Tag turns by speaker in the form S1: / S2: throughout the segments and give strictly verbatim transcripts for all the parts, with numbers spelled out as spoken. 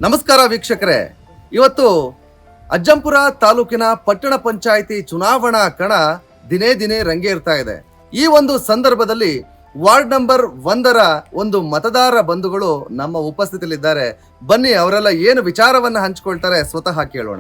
S1: ನಮಸ್ಕಾರ ವೀಕ್ಷಕರೇ, ಇವತ್ತು ಅಜ್ಜಂಪುರ ತಾಲೂಕಿನ ಪಟ್ಟಣ ಪಂಚಾಯಿತಿ ಚುನಾವಣಾ ಕಣ ದಿನೇ ದಿನೇ ರಂಗೇರ್ತಾ ಇದೆ. ಈ ಒಂದು ಸಂದರ್ಭದಲ್ಲಿ ವಾರ್ಡ್ ನಂಬರ್ ಒಂದರ ಒಂದು ಮತದಾರ ಬಂಧುಗಳು ನಮ್ಮ ಉಪಸ್ಥಿತಿಯಲ್ಲಿದ್ದಾರೆ. ಬನ್ನಿ ಅವರೆಲ್ಲ ಏನು ವಿಚಾರವನ್ನ ಹಂಚಿಕೊಳ್ತಾರೆ ಸ್ವತಃ ಕೇಳೋಣ.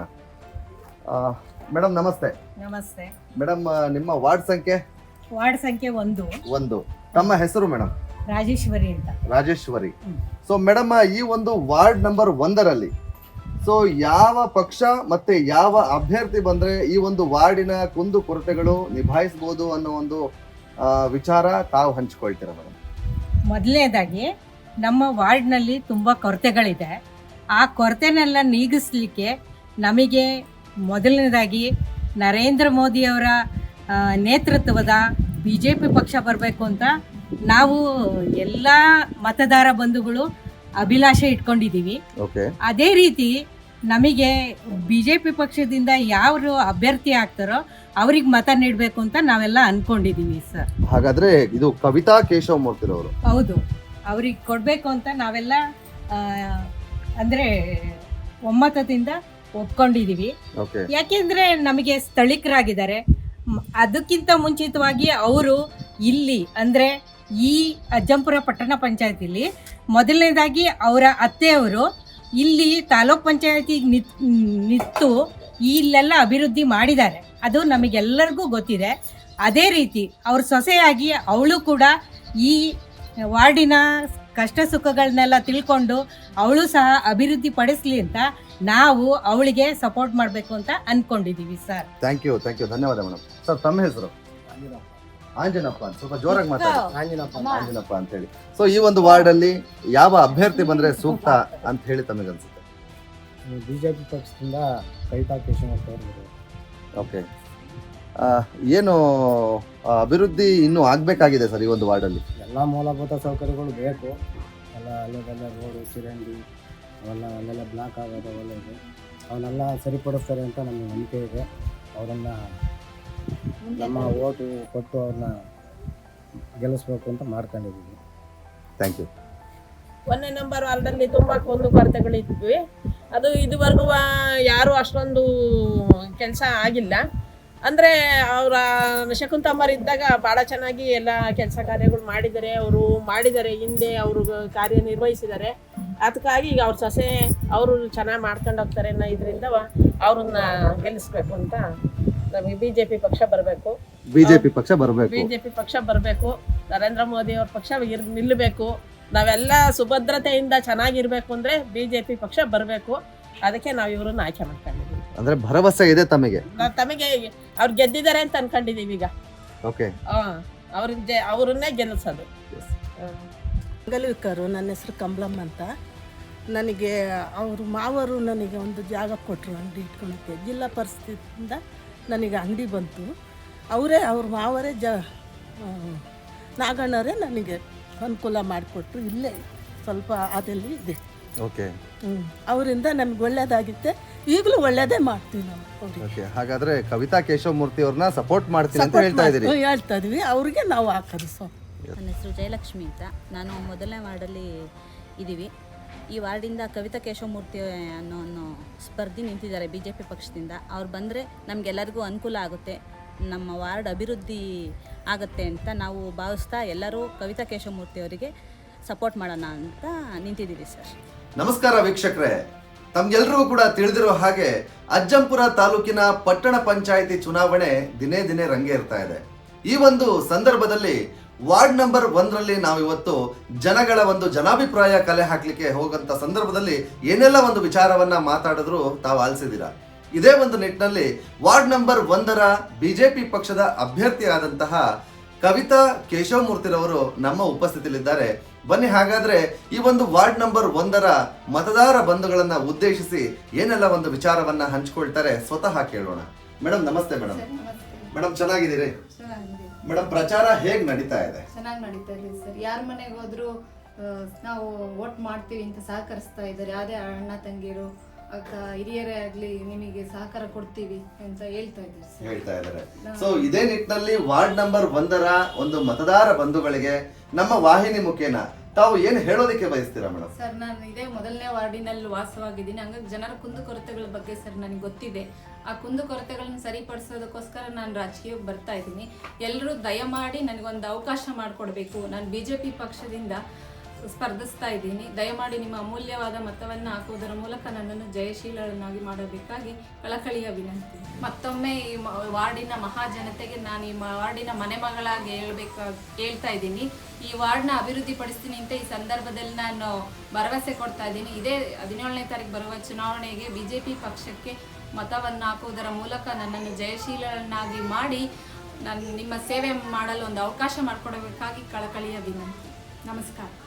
S1: ಮೇಡಮ್ ನಮಸ್ತೆ.
S2: ನಮಸ್ತೆ
S1: ಮೇಡಮ್, ನಿಮ್ಮ ವಾರ್ಡ್ ಸಂಖ್ಯೆ?
S2: ವಾರ್ಡ್ ಸಂಖ್ಯೆ ಒಂದು.
S1: ಒಂದು. ತಮ್ಮ ಹೆಸರು ಮೇಡಮ್?
S2: ರಾಜೇಶ್ವರಿ ಅಂತ.
S1: ರಾಜೇಶ್ವರಿ. ಸೊ ಮೇಡಮ್, ಈ ಒಂದು ವಾರ್ಡ್ ನಂಬರ್ ಒಂದರಲ್ಲಿ ಸೊ ಯಾವ ಪಕ್ಷ ಮತ್ತೆ ಯಾವ ಅಭ್ಯರ್ಥಿ ಬಂದ್ರೆ ಈ ಒಂದು ವಾರ್ಡಿನ ಕುಂದು ಕೊರತೆಗಳು ನಿಭಾಯಿಸಬಹುದು ಅನ್ನೋ ಒಂದು ವಿಚಾರ ತಾವು ಹಂಚಿಕೊಳ್ತೀರಾ ಮೇಡಮ್?
S2: ಮೊದಲನೇದಾಗಿ ನಮ್ಮ ವಾರ್ಡ್ನಲ್ಲಿ ತುಂಬ ಕೊರತೆಗಳಿದೆ. ಆ ಕೊರತೆನೆಲ್ಲ ನೀಗಿಸ್ಲಿಕ್ಕೆ ನಮಗೆ ಮೊದಲನೇದಾಗಿ ನರೇಂದ್ರ ಮೋದಿಯವರ ನೇತೃತ್ವದ ಬಿ ಜೆ ಪಿ ಪಕ್ಷ ಬರಬೇಕು ಅಂತ ನಾವು ಎಲ್ಲ ಮತದಾರ ಬಂಧುಗಳು ಅಭಿಲಾಷೆ ಇಟ್ಕೊಂಡಿದ್ದೀವಿ. ಅದೇ ರೀತಿ ನಮಗೆ ಬಿ ಜೆ ಪಿ ಪಕ್ಷದಿಂದ ಯಾರು ಅಭ್ಯರ್ಥಿ ಆಗ್ತಾರೋ ಅವ್ರಿಗೆ ಮತ ನೀಡಬೇಕು ಅಂತ ನಾವೆಲ್ಲ ಅನ್ಕೊಂಡಿದ್ದೀವಿ ಸರ್.
S1: ಹಾಗಾದ್ರೆ ಇದು ಕವಿತಾ ಕೇಶವಮೂರ್ತಿರವರು?
S2: ಹೌದು, ಅವ್ರಿಗೆ ಕೊಡಬೇಕು ಅಂತ ನಾವೆಲ್ಲ ಅಂದರೆ ಒಮ್ಮತದಿಂದ ಒಪ್ಕೊಂಡಿದ್ದೀವಿ. ಯಾಕೆಂದರೆ ನಮಗೆ ಸ್ಥಳೀಕರಾಗಿದ್ದಾರೆ. ಅದಕ್ಕಿಂತ ಮುಂಚಿತವಾಗಿ ಅವರು ಇಲ್ಲಿ ಅಂದರೆ ಈ ಅಜ್ಜಂಪುರ ಪಟ್ಟಣ ಪಂಚಾಯತಿಲಿ ಮೊದಲನೇದಾಗಿ ಅವರ ಅತ್ತೆಯವರು ಇಲ್ಲಿ ತಾಲೂಕ್ ಪಂಚಾಯತಿಗೆ ನಿತ್ ನಿಂತು ಇಲ್ಲೆಲ್ಲ ಅಭಿವೃದ್ಧಿ ಮಾಡಿದ್ದಾರೆ. ಅದು ನಮಗೆಲ್ಲರಿಗೂ ಗೊತ್ತಿದೆ. ಅದೇ ರೀತಿ ಅವ್ರ ಸೊಸೆಯಾಗಿ ಅವಳು ಕೂಡ ಈ ವಾರ್ಡಿನ ಕಷ್ಟ ಸುಖಗಳನ್ನೆಲ್ಲ ತಿಳ್ಕೊಂಡು ಅವಳು ಸಹ ಅಭಿವೃದ್ಧಿ ಪಡಿಸ್ಲಿ ಅಂತ ನಾವು ಅವಳಿಗೆ ಸಪೋರ್ಟ್ ಮಾಡಬೇಕು ಅಂತ ಅನ್ಕೊಂಡಿದ್ದೀವಿ sir.
S1: Thank you thank you ಧನ್ಯವಾದ ಮೇಡಮ್. ಸರ್, ತಮ್ಮ ಹೆಸರು? ಆಂಜನಪ್ಪ ಅಂತ. ಸ್ವಲ್ಪ ಜೋರಾಗಿ ಮಾತಾಡಿ. ಆಂಜನಪ್ಪ ಅಂತ ಹೇಳಿ. ಸೊ ಈ ಒಂದು ವಾರ್ಡ್ ಅಲ್ಲಿ ಯಾವ ಅಭ್ಯರ್ಥಿ ಬಂದ್ರೆ ಸೂಕ್ತ ಅಂತ ಹೇಳಿ ತಮಗೆ ಅನ್ಸುತ್ತೆ?
S3: ಬಿಜೆಪಿ ಪಕ್ಷದಿಂದ ಕವಿತಾ ಕೇಶವಮೂರ್ತಿ ಅವರು.
S1: ಓಕೆ, ಏನು ಅಭಿವೃದ್ಧಿ ಇನ್ನೂ ಆಗ್ಬೇಕಾಗಿದೆ ಸರ್ ಈ ಒಂದು ವಾರ್ಡ್ ಅಲ್ಲಿ?
S3: ಎಲ್ಲ ಮೂಲಭೂತ ಸೌಕರ್ಯಗಳು ಬೇಕು. ಎಲ್ಲ ಅಲ್ಲೆಲ್ಲ ರೋಡು, ಚಿರಂಡಿ ಅವೆಲ್ಲ ಅಲ್ಲೆಲ್ಲ ಬ್ಲಾಕ್ ಆಗೋದು ಅವೆಲ್ಲ ಇದೆ. ಅವನ್ನೆಲ್ಲ ಸರಿಪಡಿಸ್ತಾರೆ ಅಂತ ನಮಗೆ ನಂಬಿಕೆ ಇದೆ. ಅವರನ್ನ ನಮ್ಮ ಓಟು ಕೊಟ್ಟು ಅವ್ರನ್ನ ಗೆಲ್ಲಿಸ್ಬೇಕು ಅಂತ ಮಾಡ್ಕೊಂಡಿದ್ದೀವಿ.
S1: Thank you.
S4: ಒಂದನೇ ನಂಬರ್ ವಾರ್ಡಲ್ಲಿ ತುಂಬ ಕುಂದು ಕೊರತೆಗಳಿದ್ವಿ. ಅದು ಇದುವರೆಗೂ ಯಾರೂ ಅಷ್ಟೊಂದು ಕೆಲಸ ಆಗಿಲ್ಲ. ಅಂದರೆ ಅವರ ಶಕುಂತಮ್ಮರು ಇದ್ದಾಗ ಭಾಳ ಚೆನ್ನಾಗಿ ಎಲ್ಲ ಕೆಲಸ ಕಾರ್ಯಗಳು ಮಾಡಿದ್ದಾರೆ. ಅವರು ಮಾಡಿದ್ದಾರೆ, ಹಿಂದೆ ಅವರು ಕಾರ್ಯನಿರ್ವಹಿಸಿದ್ದಾರೆ. ಅದಕ್ಕಾಗಿ ಈಗ ಅವ್ರ ಸೊಸೆ ಅವರು ಚೆನ್ನಾಗಿ ಮಾಡ್ಕೊಂಡು ಹೋಗ್ತಾರೆ ಅನ್ನೋ ಇದರಿಂದ ಅವ್ರನ್ನ ಗೆಲ್ಲಿಸ್ಬೇಕು ಅಂತ ನಮಗೆ ಬಿ ಜೆ ಪಿ ಪಕ್ಷ ಬರಬೇಕು.
S1: ಬಿಜೆಪಿ ಪಕ್ಷ ಬರಬೇಕು
S4: ಬಿ ಜೆ ಪಿ ಪಕ್ಷ ಬರಬೇಕು. ನರೇಂದ್ರ ಮೋದಿ ಅವ್ರ ಪಕ್ಷ ಇರ್ ನಿಲ್ಲಬೇಕು. ನಾವೆಲ್ಲ ಸುಭದ್ರತೆಯಿಂದ ಚೆನ್ನಾಗಿರ್ಬೇಕು ಅಂದರೆ ಬಿ ಜೆ ಪಿ ಪಕ್ಷ ಬರಬೇಕು. ಅದಕ್ಕೆ ನಾವು ಇವ್ರನ್ನ ಆಯ್ಕೆ ಮಾಡ್ಕೊಂಡಿದ್ದೀವಿ.
S1: ಅಂದ್ರೆ ಭರವಸೆ ಇದೆ ತಮಗೆ?
S4: ತಮಗೆ ಅವ್ರು ಗೆದ್ದಿದ್ದಾರೆ ಅಂತ ಅನ್ಕೊಂಡಿದ್ದೀವಿ ಈಗ.
S1: ಓಕೆ,
S4: ಅವ್ರಿಗೆ ಅವ್ರನ್ನೇ ಗೆಲ್ಲಿಸೋದು.
S5: ಮಂಗಲವಿಕರು. ನನ್ನ ಹೆಸರು ಕಮಲಮ್ಮ ಅಂತ. ನನಗೆ ಅವರು ಮಾವರು ನನಗೆ ಒಂದು ಜಾಗ ಕೊಟ್ಟರು ಅಂಗಡಿ ಇಟ್ಕೊಳಕ್ಕೆ. ಜಿಲ್ಲಾ ಪರಿಸ್ಥಿತಿಯಿಂದ ನನಗೆ ಅಂಗಡಿ ಬಂತು. ಅವರೇ ಅವ್ರ ಮಾವರೇ ಜ ನಾಗಣ್ಣವರೇ ನನಗೆ ಅನುಕೂಲ ಮಾಡಿಕೊಟ್ರು. ಇಲ್ಲೇ ಸ್ವಲ್ಪ ಅದೆಲ್ಲಿ ಇದೆ.
S1: ಓಕೆ,
S5: ಹ್ಞೂ ಅವರಿಂದ ನಮ್ಗೆ ಒಳ್ಳೇದಾಗಿತ್ತೆ. ಈಗಲೂ ಒಳ್ಳೇದೇ ಮಾಡ್ತೀವಿ ನಾವು ಅವ್ರಿಗೆ.
S1: ಹಾಗಾದ್ರೆ ಕವಿತಾ ಕೇಶವಮೂರ್ತಿ ಅವ್ರನ್ನ ಸಪೋರ್ಟ್ ಮಾಡ್ತೀನಿ ಅಂತ ಹೇಳ್ತಾ ಇದ್ದೀರಿ?
S5: ಹೇಳ್ತಾ ಇದೀವಿ. ಅವ್ರಿಗೆ ನಾವು ಹಾಕೋದು. ಸೊ
S6: ನನ್ನ ಹೆಸರು ಜಯಲಕ್ಷ್ಮಿ ಅಂತ. ನಾನು ಮೊದಲನೇ ವಾರ್ಡಲ್ಲಿ ಇದ್ದೀವಿ. ಈ ವಾರ್ಡಿಂದ ಕವಿತಾ ಕೇಶವಮೂರ್ತಿ ಅನ್ನೋ ಅನ್ನೋ ಸ್ಪರ್ಧಿ ನಿಂತಿದ್ದಾರೆ ಬಿ ಜೆ ಪಿ ಪಕ್ಷದಿಂದ. ಅವ್ರು ಬಂದರೆ ನಮಗೆಲ್ಲರಿಗೂ ಅನುಕೂಲ ಆಗುತ್ತೆ, ನಮ್ಮ ವಾರ್ಡ್ ಅಭಿವೃದ್ಧಿ ಆಗುತ್ತೆ ಅಂತ ನಾವು ಭಾವಿಸ್ತಾ ಎಲ್ಲರೂ ಕವಿತಾ ಕೇಶವಮೂರ್ತಿ ಅವರಿಗೆ ಸಪೋರ್ಟ್ ಮಾಡೋಣ ಅಂತ ನಿಂತಿದ್ದೀವಿ ಸರ್.
S1: ನಮಸ್ಕಾರ ವೀಕ್ಷಕರೇ, ತಮ್ಗೆಲ್ರಿಗೂ ಕೂಡ ತಿಳಿದಿರೋ ಹಾಗೆ ಅಜ್ಜಂಪುರ ತಾಲೂಕಿನ ಪಟ್ಟಣ ಪಂಚಾಯಿತಿ ಚುನಾವಣೆ ದಿನೇ ದಿನೇ ರಂಗೇರ್ತಾ ಇದೆ. ಈ ಒಂದು ಸಂದರ್ಭದಲ್ಲಿ ವಾರ್ಡ್ ನಂಬರ್ ಒಂದರಲ್ಲಿ ನಾವು ಇವತ್ತು ಜನಗಳ ಒಂದು ಜನಾಭಿಪ್ರಾಯ ಕಲೆ ಹಾಕ್ಲಿಕ್ಕೆ ಹೋಗಂತ ಸಂದರ್ಭದಲ್ಲಿ ಏನೆಲ್ಲ ಒಂದು ವಿಚಾರವನ್ನ ಮಾತಾಡಿದ್ರು ತಾವು ಆಲಿಸಿದ್ದೀರಾ. ಇದೇ ಒಂದು ನಿಟ್ಟಿನಲ್ಲಿ ವಾರ್ಡ್ ನಂಬರ್ ಒಂದರ ಬಿಜೆಪಿ ಪಕ್ಷದ ಅಭ್ಯರ್ಥಿ ಆದಂತಹ ಕವಿತಾ ಕೇಶವಮೂರ್ತಿರವರು ನಮ್ಮ ಉಪಸ್ಥಿತಿಯಲ್ಲಿದ್ದಾರೆ. ಬನ್ನಿ ಹಾಗಾದ್ರೆ ಈ ಒಂದು ವಾರ್ಡ್ ನಂಬರ್ ಒಂದರ ಮತದಾರ ಬಂಧುಗಳನ್ನ ಉದ್ದೇಶಿಸಿ ಏನೆಲ್ಲ ಒಂದು ವಿಚಾರವನ್ನ ಹಂಚಿಕೊಳ್ತಾರೆ ಸ್ವತಃ ಕೇಳೋಣ. ಮೇಡಮ್ ನಮಸ್ತೆ. Madam madam ಚೆನ್ನಾಗಿದ್ದೀರಿ? ಮೇಡಮ್, ಪ್ರಚಾರ ಹೇಗ್ ನಡೀತಾ ಇದೆ?
S7: ಚೆನ್ನಾಗಿ ನಡೀತಾ ಇದೆ ಸರ್. ಯಾರ ಮನೆಗೆ ಹೋದ್ರು ನಾವು ವೋಟ್ ಮಾಡ್ತೀವಿ ಅಂತ ಸಹಕರಿಸ್ತಾ ಇದ್ದಾರೆ. ಯಾವುದೇ ಅಣ್ಣ ತಂಗಿರು ಅಕ್ಕ ಹಿರಿಯರೇ ಆಗ್ಲಿ ನಿಮಗೆ ಸಹಕಾರ ಕೊಡ್ತೀವಿ ಅಂತ ಹೇಳ್ತಾ ಇದ್ದಾರೆ
S1: ಹೇಳ್ತಾ ಇದ್ದಾರೆ. ಸೊ ಇದೇ ನಿಟ್ಟಿನಲ್ಲಿ ವಾರ್ಡ್ ನಂಬರ್ ಒಂದರ ಒಂದು ಮತದಾರ ಬಂಧುಗಳಿಗೆ ನಮ್ಮ ವಾಹಿನಿ ಮುಖೇನ ತಾವು ಏನು ಹೇಳೋದಕ್ಕೆ ಬಯಸ್ತೀರಾ ಮೇಡಮ್?
S7: ಸರ್, ನಾನು ಇದೇ ಮೊದಲನೇ ವಾರ್ಡಿನಲ್ಲಿ ವಾಸವಾಗಿದ್ದೀನಿ. ಹಂಗಾಗಿ ಜನರ ಕುಂದುಕೊರತೆಗಳ ಬಗ್ಗೆ ಸರ್ ನನಗೆ ಗೊತ್ತಿದೆ. ಆ ಕುಂದುಕೊರತೆಗಳನ್ನ ಸರಿಪಡಿಸೋದಕ್ಕೋಸ್ಕರ ನಾನು ರಾಜಕೀಯಕ್ಕೆ ಬರ್ತಾ ಇದ್ದೀನಿ. ಎಲ್ಲರೂ ದಯಮಾಡಿ ನನಗೊಂದು ಅವಕಾಶ ಮಾಡಿಕೊಡ್ಬೇಕು. ನಾನು ಬಿ ಜೆ ಪಿ ಪಕ್ಷದಿಂದ ಸ್ಪರ್ಧಿಸ್ತಾ ಇದ್ದೀನಿ. ದಯಮಾಡಿ ನಿಮ್ಮ ಅಮೂಲ್ಯವಾದ ಮತವನ್ನು ಹಾಕುವುದರ ಮೂಲಕ ನನ್ನನ್ನು ಜಯಶೀಲನಾಗಿ ಮಾಡಬೇಕಾಗಿ ಕಳಕಳಿಯ ವಿನಂತಿ. ಮತ್ತೊಮ್ಮೆ ಈ ವಾರ್ಡಿನ ಮಹಾಜನತೆಗೆ ನಾನು ಈ ವಾರ್ಡಿನ ಮನೆ ಮಗಳಾಗಿ ಹೇಳ್ಬೇಕಾ ಹೇಳ್ತಾ ಇದ್ದೀನಿ. ಈ ವಾರ್ಡ್ನ ಅಭಿವೃದ್ಧಿ ಪಡಿಸ್ತೀನಿ ಅಂತ ಈ ಸಂದರ್ಭದಲ್ಲಿ ನಾನು ಭರವಸೆ ಕೊಡ್ತಾ ಇದ್ದೀನಿ. ಇದೇ ಹದಿನೇಳನೇ ತಾರೀಕು ಬರುವ ಚುನಾವಣೆಗೆ ಬಿ ಜೆ ಪಿ ಪಕ್ಷಕ್ಕೆ ಮತವನ್ನು ಹಾಕುವುದರ ಮೂಲಕ ನನ್ನನ್ನು ಜಯಶೀಲನಾಗಿ ಮಾಡಿ ನಾನು ನಿಮ್ಮ ಸೇವೆ ಮಾಡಲು ಒಂದು ಅವಕಾಶ ಮಾಡಿಕೊಡಬೇಕಾಗಿ ಕಳಕಳಿಯ ವಿನಂತಿ. ನಮಸ್ಕಾರ.